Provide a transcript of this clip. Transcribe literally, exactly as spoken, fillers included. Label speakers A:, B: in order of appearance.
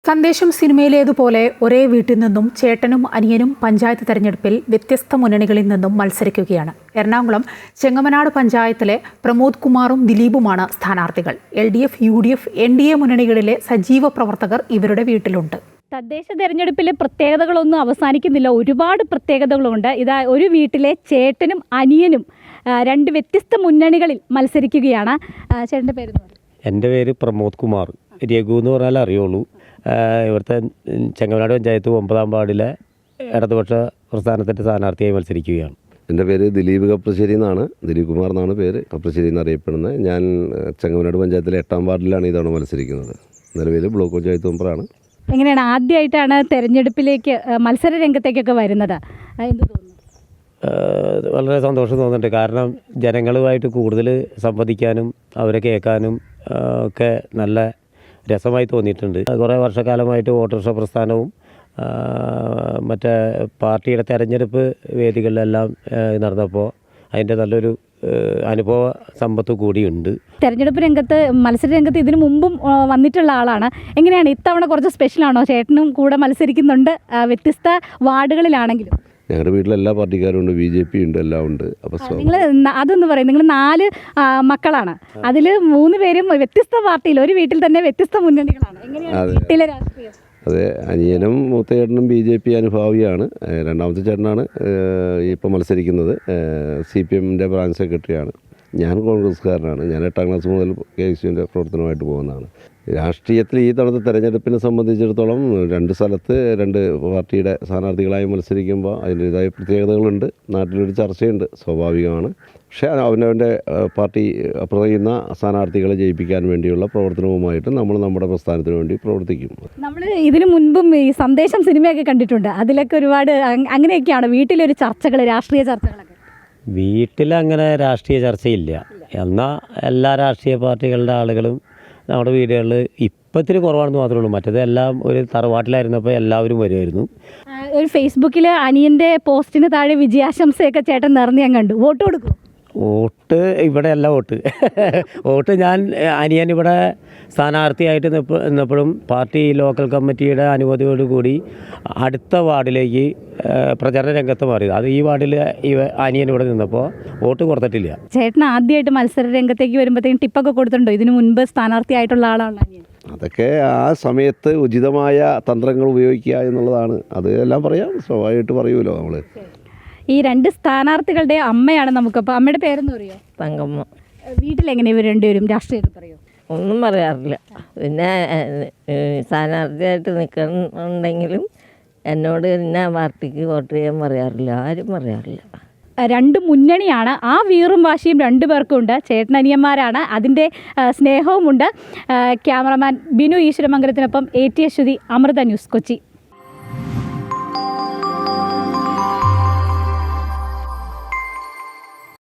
A: സന്ദേശം സിനിമയിലേതുപോലെ ഒരേ വീട്ടിൽ നിന്നും ചേട്ടനും അനിയനും പഞ്ചായത്ത് തെരഞ്ഞെടുപ്പിൽ വ്യത്യസ്ത മുന്നണികളിൽ നിന്നും മത്സരിക്കുകയാണ്. എറണാകുളം ചെങ്ങമനാട് പഞ്ചായത്തിലെ പ്രമോദ് കുമാറും ദിലീപുമാണ് സ്ഥാനാർത്ഥികൾ. L D F, U D F, N D A മുന്നണികളിലെ സജീവ പ്രവർത്തകർ ഇവരുടെ വീട്ടിലുണ്ട്.
B: തദ്ദേശ തെരഞ്ഞെടുപ്പിലെ പ്രത്യേകതകളൊന്നും അവസാനിക്കുന്നില്ല, ഒരുപാട് പ്രത്യേകതകളുണ്ട്. ഇതാ ഒരു വീട്ടിലെ ചേട്ടനും അനിയനും രണ്ട് വ്യത്യസ്ത മുന്നണികളിൽ മത്സരിക്കുകയാണ്. ചേട്ടൻ്റെ പേര്?
C: എൻ്റെ പേര് പ്രമോദ് കുമാർ. രഘു എന്ന് പറഞ്ഞാൽ അറിയുള്ളൂ. ഇവിടുത്തെ ചെങ്ങമനാട് പഞ്ചായത്ത് ഒമ്പതാം വാർഡിലെ ഇടതുപക്ഷ പ്രസ്ഥാനത്തിൻ്റെ സ്ഥാനാർത്ഥിയായി മത്സരിക്കുകയാണ്.
D: എൻ്റെ പേര് ദിലീപ് കപ്രശ്ശേരി എന്നാണ്, ദിലീപ് കുമാർ എന്നാണ് പേര്, കപ്രശ്ശേരി എന്നറിയപ്പെടുന്നത്. ഞാൻ ചെങ്ങമനാട് പഞ്ചായത്തിലെ എട്ടാം വാർഡിലാണ് ഇതവണ മത്സരിക്കുന്നത്. നിലവിൽ ബ്ലോക്ക് പഞ്ചായത്ത് മെമ്പറാണ്.
B: എങ്ങനെയാണ്, ആദ്യമായിട്ടാണ് തെരഞ്ഞെടുപ്പിലേക്ക് മത്സര രംഗത്തേക്കൊക്കെ വരുന്നത്? എന്ത് തോന്നുന്നു?
C: വളരെ സന്തോഷം തോന്നുന്നുണ്ട്. കാരണം ജനങ്ങളുമായിട്ട് കൂടുതൽ സംവദിക്കാനും അവരെ കേൾക്കാനും ഒക്കെ നല്ല രസമായി തോന്നിയിട്ടുണ്ട്. കുറേ വർഷക്കാലമായിട്ട് ഓട്ടോറിക്ഷ പ്രസ്ഥാനവും മറ്റേ പാർട്ടിയുടെ തെരഞ്ഞെടുപ്പ് വേദികളിലെല്ലാം നടന്നപ്പോൾ അതിൻ്റെ നല്ലൊരു അനുഭവ സമ്പത്ത് കൂടിയുണ്ട്.
B: തെരഞ്ഞെടുപ്പ് രംഗത്ത്, മത്സര രംഗത്ത് ഇതിനു മുമ്പും വന്നിട്ടുള്ള ആളാണ്. എങ്ങനെയാണ് ഇത്തവണ കുറച്ച് സ്പെഷ്യലാണോ? ചേട്ടനും കൂടെ മത്സരിക്കുന്നുണ്ട്, വ്യത്യസ്ത വാർഡുകളിലാണെങ്കിലും.
D: ഞങ്ങളുടെ വീട്ടിൽ എല്ലാ പാർട്ടിക്കാരും ഉണ്ട്, ബി ജെ പി ഉണ്ട്, എല്ലാം ഉണ്ട്. അപ്പോൾ
B: നിങ്ങൾ അതൊന്ന് പറയും, നിങ്ങൾ നാല് മക്കളാണ്, അതിൽ മൂന്ന് പേരും വ്യത്യസ്ത പാർട്ടിയിൽ, ഒരു വീട്ടിൽ തന്നെ വ്യത്യസ്ത മുന്നണികളാണ്. എങ്ങനെയാണ് വീട്ടിലെ രാഷ്ട്രീയം?
D: അതെ, അനിയനും മൂത്ത ചേട്ടനും ബി ജെ പി അനുഭാവിയാണ്. രണ്ടാമത്തെ ചേട്ടനാണ് ഇപ്പോൾ മത്സരിക്കുന്നത്, സി പി എമ്മിൻ്റെ ബ്രാഞ്ച് സെക്രട്ടറിയാണ്. ഞാൻ കോൺഗ്രസ്സുകാരനാണ്. ഞാൻ എട്ടാം ക്ലാസ് മുതൽ കെ എസ് യുവിൻ്റെ പ്രവർത്തനമായിട്ട് പോകുന്നതാണ്. രാഷ്ട്രീയത്തിൽ ഈ തവണത്തെ തെരഞ്ഞെടുപ്പിനെ സംബന്ധിച്ചിടത്തോളം രണ്ട് സ്ഥലത്ത് രണ്ട് പാർട്ടിയുടെ സ്ഥാനാർത്ഥികളായി മത്സരിക്കുമ്പോൾ അതിൻ്റേതായ പ്രത്യേകതകളുണ്ട്. നാട്ടിലൊരു ചർച്ചയുണ്ട്, സ്വാഭാവികമാണ്. പക്ഷേ അവനവൻ്റെ പാർട്ടി പറയുന്ന സ്ഥാനാർത്ഥികളെ ജയിപ്പിക്കാൻ വേണ്ടിയുള്ള പ്രവർത്തനവുമായിട്ട് നമ്മൾ നമ്മുടെ പ്രസ്ഥാനത്തിന് വേണ്ടി പ്രവർത്തിക്കും.
B: നമ്മൾ ഇതിനു മുൻപും ഈ സന്ദേശം സിനിമയൊക്കെ കണ്ടിട്ടുണ്ട്, അതിലൊക്കെ ഒരുപാട് അങ്ങനെയൊക്കെയാണ് വീട്ടിലൊരു ചർച്ചകൾ, രാഷ്ട്രീയ ചർച്ചകളൊക്കെ.
C: വീട്ടിലങ്ങനെ രാഷ്ട്രീയ ചർച്ചയില്ല. എന്നാൽ എല്ലാ രാഷ്ട്രീയ പാർട്ടികളുടെ ആളുകളും നമ്മുടെ വീടുകളിൽ ഇപ്പം ഇത്തിരി കുറവാണെന്ന് മാത്രമേ ഉള്ളൂ. മറ്റേത് എല്ലാം ഒരു തറവാട്ടിലായിരുന്നപ്പോൾ എല്ലാവരും വരുമായിരുന്നു.
B: ഒരു ഫേസ്ബുക്കിൽ അനിയൻ്റെ പോസ്റ്റിന് താഴെ വിജയാശംസയൊക്കെ ചേട്ടൻ നിറഞ്ഞ് ഞാൻ കണ്ടു. വോട്ട് കൊടുക്കും?
C: വോട്ട് ഇവിടെ അല്ല വോട്ട് വോട്ട് ഞാൻ അനിയൻ ഇവിടെ സ്ഥാനാർത്ഥിയായിട്ട് നിന്നപ്പോഴും പാർട്ടി ലോക്കൽ കമ്മിറ്റിയുടെ അനുമതിയോടുകൂടി അടുത്ത വാർഡിലേക്ക് പ്രചരണ രംഗത്ത് മാറിയത്. അത് ഈ വാർഡിൽ ഈ അനിയൻ ഇവിടെ നിന്നപ്പോൾ വോട്ട് കൊടുത്തിട്ടില്ല.
B: ചേട്ടൻ ആദ്യമായിട്ട് മത്സര രംഗത്തേക്ക് വരുമ്പോഴത്തേക്കും ടിപ്പൊക്കെ കൊടുത്തിട്ടുണ്ടോ? ഇതിനു മുൻപ് സ്ഥാനാർത്ഥിയായിട്ടുള്ള ആളാണ് അനിയൻ.
D: അതൊക്കെ ആ സമയത്ത് ഉചിതമായ തന്ത്രങ്ങൾ ഉപയോഗിക്കുക എന്നുള്ളതാണ്. അത് എല്ലാം പറയാം, സ്വാഭാവികമായിട്ട് പറയുമല്ലോ നമ്മൾ.
B: ഈ രണ്ട് സ്ഥാനാർത്ഥികളുടെ അമ്മയാണ് നമുക്കപ്പോൾ. അമ്മയുടെ പേരെന്ന് പറയുമോ?
E: തങ്കമ്മ.
B: വീട്ടിലെങ്ങനെ ഇവർ രണ്ടുപേരും രാഷ്ട്രീയത്തിൽ പറയുമോ?
E: ഒന്നും പറയാറില്ല. പിന്നെ സ്ഥാനാർത്ഥിയായിട്ട് നിൽക്കുന്നുണ്ടെങ്കിലും എന്നോട് ഇന്ന പാർട്ടിക്ക് വോട്ട് ചെയ്യാൻ പറയാറില്ല, ആരും പറയാറില്ല.
B: രണ്ട് മുന്നണിയാണ്, ആ വീറും വാശിയും രണ്ടു പേർക്കും ഉണ്ട്. ചേട്ടനനിയന്മാരാണ്, അതിൻ്റെ സ്നേഹവുമുണ്ട്. ക്യാമറമാൻ ബിനു ഈശ്വരമംഗലത്തിനൊപ്പം A T Aswathy, Amrita News, Kochi.